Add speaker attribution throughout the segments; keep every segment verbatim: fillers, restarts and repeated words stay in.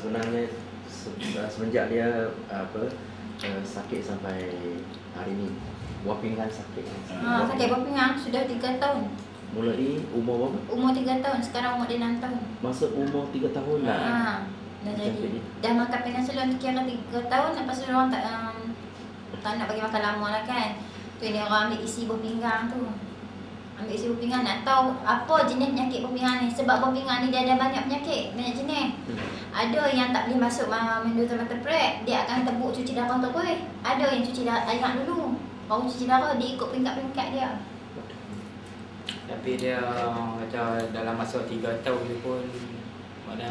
Speaker 1: sebenarnya se- semenjak dia apa uh, sakit sampai hari ni, buah pinggang sakit.
Speaker 2: Ha, sakit buah pinggang sudah tiga tahun.
Speaker 1: Mulai umur berapa?
Speaker 2: Umur tiga tahun, sekarang umur dia enam tahun.
Speaker 1: Masa umur tiga tahun lah.
Speaker 2: Ha, dah jadi. Dah makan penicillin kira tiga tahun, lepas tu orang tak um, tak nak bagi makan lama lah kan. Tu ni orang ambil isi buah pinggang tu. Ambil isi buah pinggang nak tahu apa jenis penyakit buah pinggang ni. Sebab buah pinggang ni dia ada banyak penyakit, banyak jenis. Hmm. Ada yang tak boleh masuk menduta mata prek, dia akan tebuk cuci darah terus. Ada yang cuci darah air dulu, baru cuci darah, dia ikut peringkat-peringkat dia.
Speaker 3: Tapi dia macam dalam masa tiga tahun ni pun mana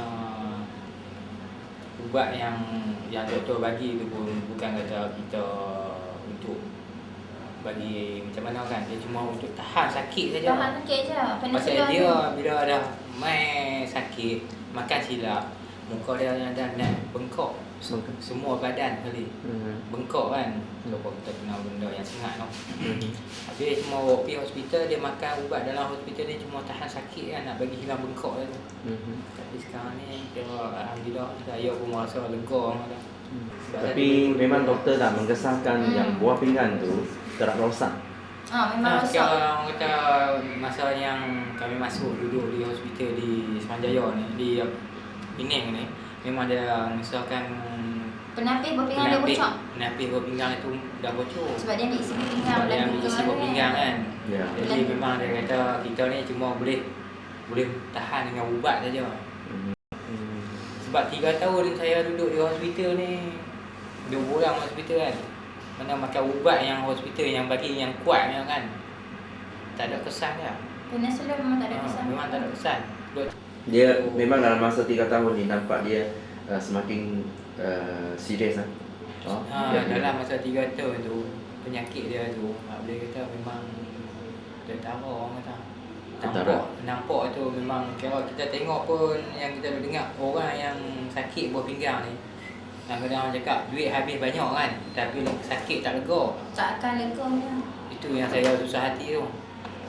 Speaker 3: ubat yang yang doktor bagi tu pun bukan kata kita untuk bagi macam mana kan, dia cuma untuk tahan sakit saja.
Speaker 2: Tahan sakit je.
Speaker 3: Pasal dia bila dah main sakit, makan silap, muka dia dah dah bengkak. Semua badan kali hmm. bengkak kan. So kita kena benda yang sangat tau. Hmm. Habis cuma bawa pergi hospital, dia makan ubat dalam hospital ni cuma tahan sakit kan, nak bagi hilang bengkak je tu. Hmm. Tapi sekarang ni kira alhamdulillah saya pun rasa lega dah.
Speaker 1: Hmm. Tapi memang doktor dah mengesahkan hmm. yang buah pinggang tu tak rosak.
Speaker 2: Ah, memang rosak.
Speaker 3: Sekarang kata masa yang kami masuk duduk di hospital di Semanjaya ni, di Penang ni, memang dia mengesahkan
Speaker 2: penapis buah pinggang dia bocor.
Speaker 3: Penapis buah pinggang itu dah bocor.
Speaker 2: Sebab dia ambil isi buah pinggang
Speaker 3: dan dia ambil isi buah pinggang kan. Ya. Jadi dan memang dia kata kita ni cuma boleh boleh tahan dengan ubat saja. Hmm. Sebab tiga tahun saya duduk di hospital ni, dua bulan hospital kan. Mana makan ubat yang hospital yang bagi yang kuat kan. Tak ada kesan dia.
Speaker 2: Penicillin memang tak ada kesan.
Speaker 3: Ha, memang tak ada kesan.
Speaker 1: Dia oh. memang dalam masa tiga tahun ni nampak dia uh, semakin uh, serius lah.
Speaker 3: Oh, ha, dalam masa tiga tahun tu penyakit dia tu, boleh kata memang tentara orang kata. Nampak, nampak tu memang kalau kita tengok pun yang kita dengar orang yang sakit buah pinggang ni. Kadang-kadang orang cakap duit habis banyak kan, tapi sakit tak lega.
Speaker 2: Tak akan lega dia.
Speaker 3: Itu yang saya susah hati tu.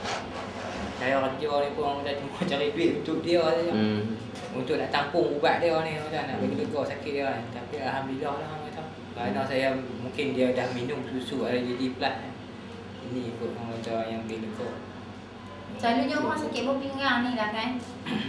Speaker 3: Saya kerja ni pun orang kata cuma cari duit untuk dia saja. Hmm. Untuk nak tampung ubat dia ni, macam nak bagi lega sakit dia kan. Tapi alhamdulillah lah kata. Kerana saya mungkin dia dah minum susu ada jadi plus kan. Ini ikut orang kata yang bagi lega.
Speaker 2: Selalunya orang sakit buah pinggang ni lah kan.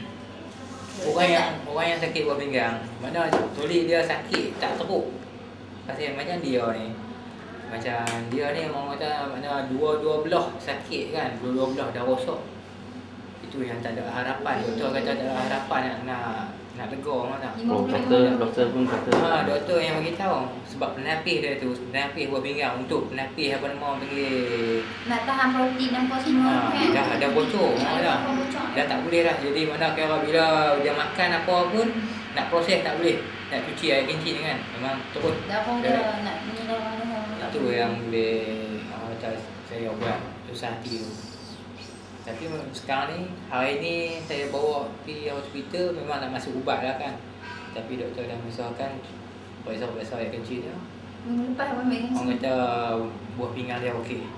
Speaker 3: Orang yang orang yang sakit buah pinggang, mana tulis dia sakit tak teruk. Pasal macam dia ni. Macam dia ni orang kata mana dua-dua belah sakit kan, dua-dua belah dah rosak. Itu yang tak ada harapan. Doktor kata tak ada harapan nak nak, nak lega orang kata.
Speaker 1: Oh, doktor doktor pun kata.
Speaker 3: Ha, doktor yang bagi tahu sebab penapis dia tu, penapis buah pinggang untuk penapis apa nama orang panggil
Speaker 2: nak tahan protein dan apa semua
Speaker 3: ha,
Speaker 2: kan.
Speaker 3: Dah ada bocor, dah, dah. Dah tak boleh dah. Jadi mana kira bila dia makan apa pun nak proses tak boleh. Nak cuci air kencing kan. Memang terus
Speaker 2: dah pun dia nak ni dah mana.
Speaker 3: Itu yang boleh macam saya buat susah hati tu. Tapi sekarang ni, hari ni saya bawa pergi hospital memang nak masuk ubat lah kan. Tapi doktor dah mengesahkan periksa-periksa air kencing dia.
Speaker 2: Minggu lepas apa ambil kencing?
Speaker 3: Orang kata buah pinggang dia okey.